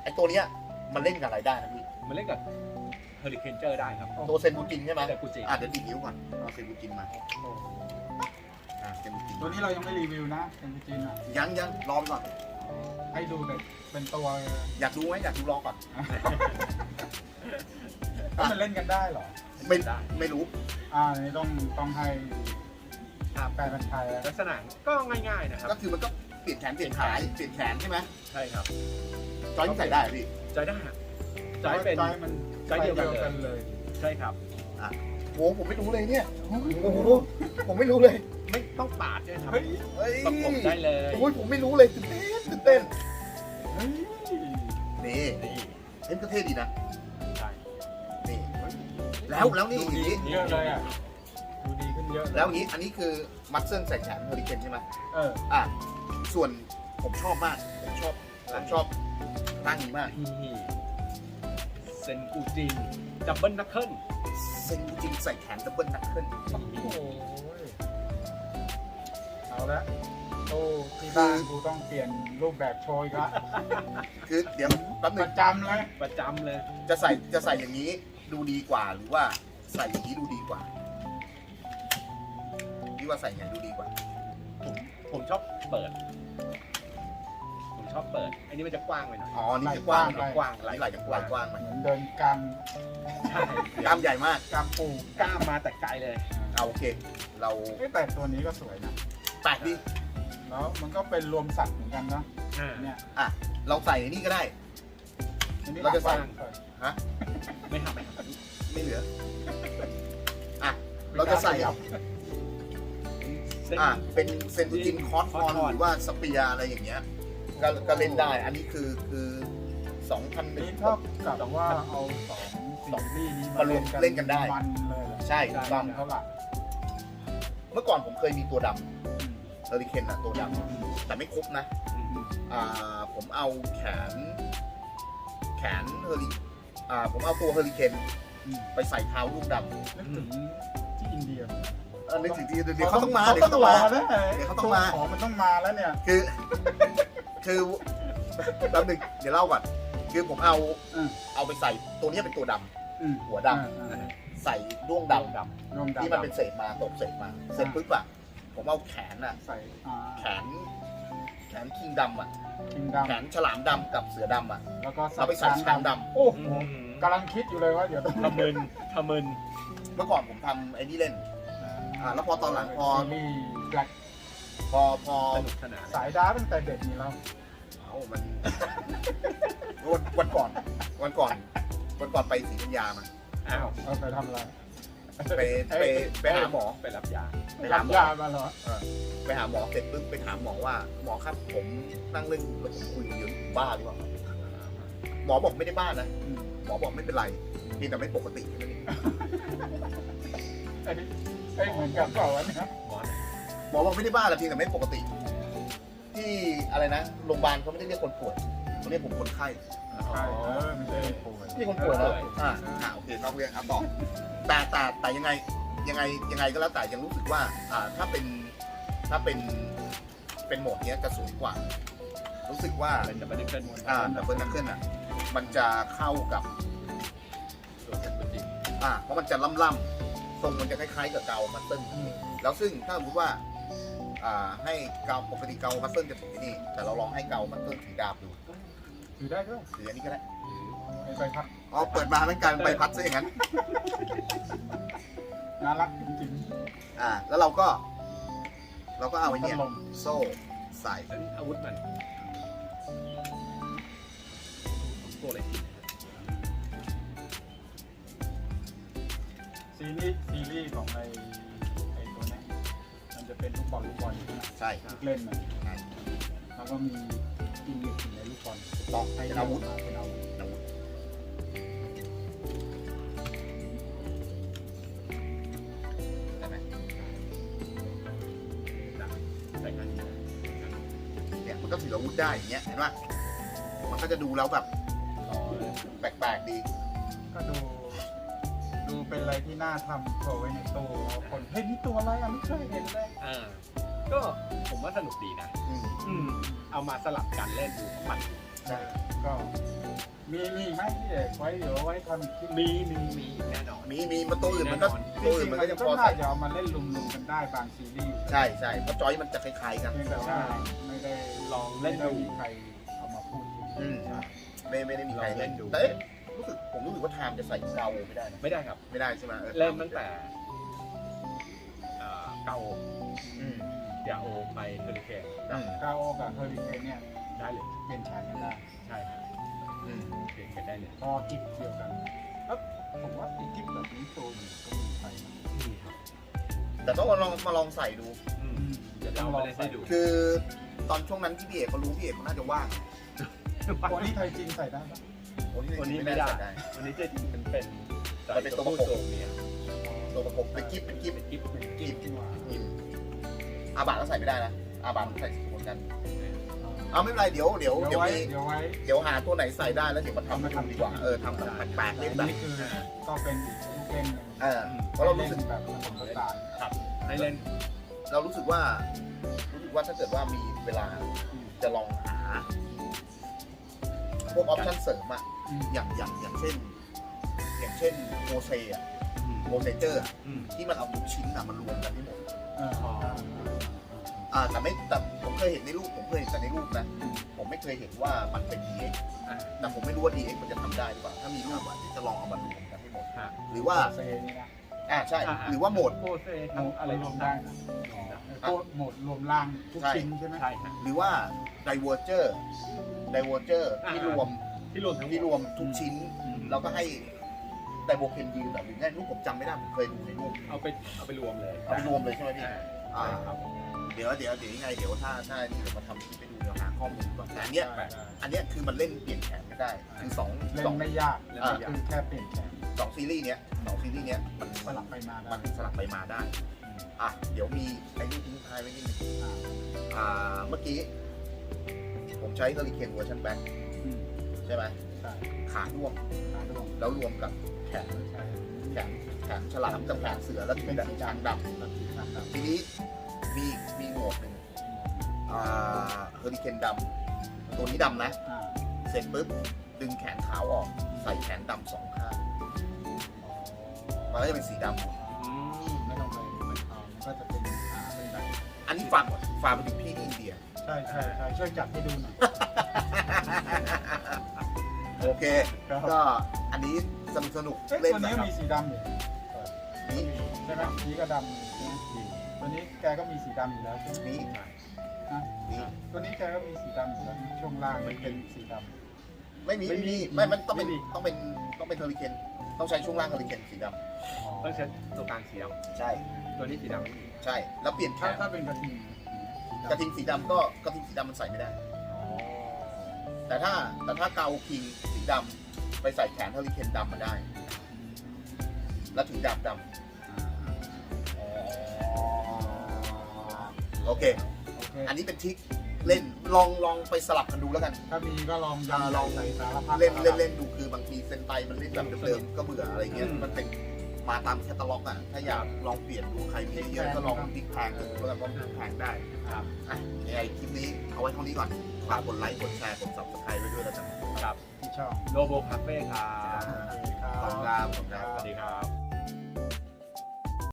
ไอตัวเนี้ยมันเล่นกับอะไรได้นะพี่มันเล่นกับเฮอริเคนเจอร์ได้ครับตัวเซนบูจินใช่ไหมแต่กูจิเดี๋ยวดีดนิ้วก่อนเอาเซนบูจินมาเซนบูจินตัวนี้เรายังไม่รีวิวนะเป็นจีนอ่ะยังรอไปก่อนให้ดูแต่เป็นตัวอยากดูไหมอยากดูลองก่อนถ้ามันเล่นกันได้เหรอไม่รู้นี่ต้องให้แปลเป็นไทยแล้วลักษณะก็ง่ายๆนะครับก็คือมันก็เปลี่ยนแขนเปลี่ยนขาเปลี่ยนแขนใช่ไหมใช่ครับจอยนี่ใส่ได้เหรอพี่จอยได้ฮะจอยเป็นมันจอยเดียวกันเลยเลยใช่ครับโหผมไม่รู้เลยเนี่ยโอ้โหผมไม่รู้เลยไม่ต้องปาดด้วยครับเฮ้ยเฮ้ยประกบได้เลยโอ้ยผมไม่รู้เลยตื่นเต้นเฮ้ยนี่นี่เล่นก็เท่ดีนะใช่นี่แล้วนี่อย่างนี้เยอะเลยอ่ะดูดีขึ้นเยอะแล้วอย่างนี้อันนี้คือมัดเส้นใส่แขนเฮอริเคนใช่ไหมเออส่วนผมชอบมากผมชอบร่างนี้มากนี่เซนกูจินดับเบิลนักเคิลเซนจริงใส่แขนดับเบิลนักขึ้นโอ้โหเอาละโอ้ที่บ้านกูต้องเปลี่ยนรูปแบบโชยละคือเดี๋ยวแป๊บปนึงระจำเลยประจำเลยจะใส่อย่างนี้ดูดีกว่าหรือว่าใส่อย่างนี้ดูดีกว่าพี่ว่าใส่อย่างไหนดูดีกว่าผมชอบเปิด ผมชอบเปิด อันนี้มันจะกว้างไปหน่อยอ๋อนี่จะกว้างกว้างไหลจะกว้างกว้างไหมเหมือนเดินกลางใช่กล้ามใหญ่มากกลางปูกล้ามมาแต่ไกลเลยเอาโอเค เราแต่ตัวนี้ก็สวยนะแปลกดีแล้วมันก็เป็นรวมสัตว์เหมือนกันนะอ่าเนี่ยเราใส่นี่ก็ได้อันนี้เราจะใส่หลักไม่ทำไม่ทไม่เหลือเราจะใส่ำเส้นเป็นเซนตูจินคอสคอนหรือว่าสเปียอะไรอย่างเงี้ยก็เล่นได้ อันนี้คือ2,000 นี่เท่ากับว่าเอาสองซีรีส์นี้มาเล่นกันได้มันเลยแหละใช่ถูกต้องเท่าไหร่เมื่อก่อนผมเคยมีตัวดำเฮอริเคนตัวดำแต่ไม่ครบนะ ผมเอาแขนเฮอริผมเอาตัวเฮอริเคนไปใส่เท้าลูกดำนึกถึงที่อินเดียนึกถึงทีเดี๋ยวเขาต้องมาเดี๋ยวเขาต้องมาเดี๋ยวเขาต้องมาของมันต้องมาแล้วเนี่ยคือแป๊บนึงเดี๋ยวเล่าก่อนคือผมเอาไปใส่ตัวนี้เป็นตัวดำหัวดำใส่ด้วงดำรวมดำที่มันเป็นเศษมาตกเศษมาเสร็จปุ๊บผมเอาแขนใส่แขนคิงดำคิงแขดำนฉลามดำกับเสือดำแล้วก็เอาไปใส่ช้างดำโอ้โหกำลังคิดอยู่เลยว่าเดี๋ยวต้องทำมึนทำมึนเมื่อก่อนผมทำไอ้นี่เล่นแล้วพอตอนหลังพอซีรีส์แบล็คสนุกสนานสายดาร์กตั้งแต่เด็กนี่แล้วมันวันก่อนไปศรีธัญญามาอ้าวเอาไปทำอะไรไปหาหมอไปรับยาไปหาหมอยามาเหรอไปหาหมอเสร็จปุ๊บไปถามหมอว่าหมอครับผมนั่งเล่นแล้วผมคุยกับเยอะบ้าหรือเปล่าหมอบอกไม่ได้บ้านะหมอบอกไม่เป็นไรเพียงแต่ไม่ปกติแค่นั้นเองอันนี้เหมือนกับเปล่าวะเนี่ยหมอบอกไม่ได้บ้าแต่เพียงแต่ไม่ปกติ ที่อะไรนะโรงพยาบาลเขาไม่ได้เรียกคนป่วยเขาเรียกผมคนไข้ใช่ไม่ใช่ป่วยนี่คนป่วยเหรอโอเคนอกเรื่องครับต่อแต่ยังไงก็แล้วแต่ยังรู้สึกว่าถ้าเป็นโหมดเนี้ยจะสวยกว่า รู้สึกว่าเป็นดับเบิลนักเคิลดับเบิลนักเกิลมันจะเข้ากับตัวเซนกูจินเพราะมันจะล่ำๆทรงมันจะคล้ายๆกับเกามัสเซิลแล้วซึ่งถ้าสมมติว่าให้เกาปกติเกามัสเซิลจะถือที่นี่แต่เราลองให้เกามัสเซิลถือดาบดูถือได้ด้วยถืออันนี้ก็ได้ใบพัดเปิดมาเป็นการใบพัดซะอย่างนั้นน่ารักจริงแล้วเราก็เอาไอ้เนี่ยโซ่ใส่แล้วอาวุธมันตัวอะไรกินซีรีส์ของไอ้ตัวนี้มันจะเป็นลูกบอลใช่เล่นมันแล้วก็มีอินเดียอยู่ในลูกบอลต้องให้เป็นอาวุธเป็นอาวุธได้ไหมใส่กันเนี่ยมันก็ถืออาวุธได้อย่างเงี้ยเห็นป่ะมันก็จะดูแล้วแบบแปลกๆดีก็ดูเป็นอะไรที่น่าทำโชว์ไว้ในตู้คนเฮ้ยนี่ตัวอะไรอ่ะไม่เคยเห็นเลยก็ผมว่าสนุกดีนะ เอามาสลับกันเล่นดูมันใช่ก็มีไหมพี่เอกไว้เดี๋ยวไว้ทำอีกคลิปมีแน่นอนมีมันตัวอื่นมันก็จตัวริอื่นงๆมันมัก็นจะก็พอน่าใส่จะเอามาเล่นลุมๆกันได้บางซีรีส์ใช่เพราะจอยมันจะคล้ายๆกันเพียงแต่ว่าไม่ได้ลองเล่นดูไม่ได้มีใครเอามาพูดถึงอืมใช่ไม่ได้มีใครเล่นลองเล่นดูแต่เอ๊ะผมรู้สึกว่าไทม์จะใส่เกาไม่ได้นะไม่ได้ครับไม่ได้ใช่ไหมเล่นตั้งแต่เกาอืมยาโอไปเฮอริเคนอืมกาโอกับเฮอริเคนเนี่ยได้เลยเปลี่ยนแขนกันได้ใช่ครับอืมเปลี่ยนกันได้เลยพอกิฟเดียวกันแล้วผมว่าไอ้กิฟแบบนี้ตัวอยู่ก็มีใครนะนี่ครับแต่ต้องมาลองใส่ดูเดี๋ยวเราไปเล่นให้ดูคือตอนช่วงนั้นที่พี่เอกเขารู้พี่เอกเขาน่าจะว่างตัวนี้ไทยจริงใส่ได้ปะวันนี้ไม่ได้ วันนี้จะมันเป็นมันเป็นตัวประกบตัวเนี่ยตัวประกบเป็นกิฟเป็นกิฟเป็นกิฟต์กิฟดีกว่าอาบาทก็ใส่ไม่ได้นะอาบาทใส่เหมือนกันเอาไม่เป็นไรเดี๋ยวเดี๋ยวไว้เดี๋ยวหาตัวไหนใส่ได้แล้วเดี๋ยวมาทำให้ดูดีกว่าทำแบบแปลกๆอัเล่นนแบบนี้คือก็เป็นอีกเล่นหนึ่งเพราะเรารู้สึกแบบผสมผสานครับให้เล่นเรารู้สึกว่าถ้าเกิดว่ามีเวลาจะลองหาพวกออปชั่นเสริมอะอย่างเช่นโมเซอะโมเซเจอร์ที่มันเอาทุกชิ้นอะมันรวมกันที่หมดแต่ผมเคยเห็นในรูปผมเคยเห็นแต่ในรูปนะผมไม่เคยเห็นว่ามันเป็น DX แต่ผมไม่รู้ว่า DX มันจะทำได้หรือเปล่าถ้ามีรูปอะที่จะลองเอามารวมกันให้หมดหรือว่าเซนี่นะใช่หรือว่าโหมดโปรเซโหมดทำอะไรรวมได้ได้นะโหมดรวมล่างทุกชิ้นใช่ไหมใช่ครับหรือว่า Diverger ที่รวมที่รวมทั้งหมดที่รวมทุกชิ้นแล้วก็ให้ไดโบเคนยืนหรือไงรูปผมจำไม่ได้ผมเคยดูในรูปเอาไปรวมเลยเอาไปรวมเลยใช่ไหมพี่ใช่ครับเดี๋ยวยังไงเดี๋ยวถ้านี่เดี๋ยวมาทำคลิปไปดูเดี๋ยวหาข้อมูลก่อนแต่อันเนี้ยคือมันเล่นเปลี่ยนแขนไม่ได้คือสองเล่นไม่ยากคือแค่เปลี่ยนแขนซีรีส์เนี้ยมันสลับไปมาได้มันสลับไปมาได้เดี๋ยวมีไอ้นี่ทิ้งท้ายไว้นิดนึงเมื่อกี้ผมใช้เฮอริเคนเวอร์ชันแบ็คใช่ไหมใช่ขาด้วงขาดวงแล้วรวมกับแขนใช่แขนฉลามกับแขนเสือแล้วเป็นสีดำทีนี้มีโหมดหนึ่งเฮอริเคนดำตัวนี้ดำนะ เสร็จปุ๊บดึงแขนขาวออกใส่แขนดำสองข้างมันก็จะเป็นสีดไม่ต้องไปเอามันก็จะเป็นเป็นแบบำอันนี้ฝากไปถึงพี่ที่อินเดียใช่ช่วยจับให้ดูหน่อยโอเค ก็อันนี้สนุกตัวเล่นนี้นะคก็รับมีสีดำอยู่นี่ใช่ไหมสีก็ดำตัวนี้แกก็มีสีดำอยู่แล้วใช่ไหมนี่ นี่ตัวนี้แกก็มีสีดำอยู่แล้วช่วงล่างมันเป็นสีดำไม่มันต้องเป็นเฮอริเคนต้องใช้ช่วงล่างเฮอริเคนสีดต้องใช้ตัวกลางสีดำใช่ำตัวนี้สีดำใช่แล้วเปลี่ยนแขนถ้าเป็นกระทิงกระทิงสีดำก็กระทิงสีดำมันใส่ไม่ได้ แต่ถ้าเกาคิงสีดำไปใส่แขนเฮอริเคนดำมาได้ แล้วถือดาบดำโอเค อันนี้เป็นทริคเล่นลองไปสลับกันดูแล้วกันถ้ามีก็ลองลองใส่สารพัดเล่นดูคือบางทีเซนไตมันเล่นแบบเดิมๆก็เบื่ออะไรเงี้ยมันเป็นมาตามแคตตาล็อกอ่ะถ้าอยากลองเปลี่ยนดูใครมีเยอะก็ลองพลิกแพงกันดูแล้วกันว่าพลิกแพงได้ครับยังไงคลิปนี้เอาไว้เท่านี้ก่อนฝากกดไลค์กดแชร์กด subscribe ไว้ด้วยแล้วกันครับที่ชอบโลโบคาเฟ่ครับโอเคครัขอบคุณครับสวัสดีครับ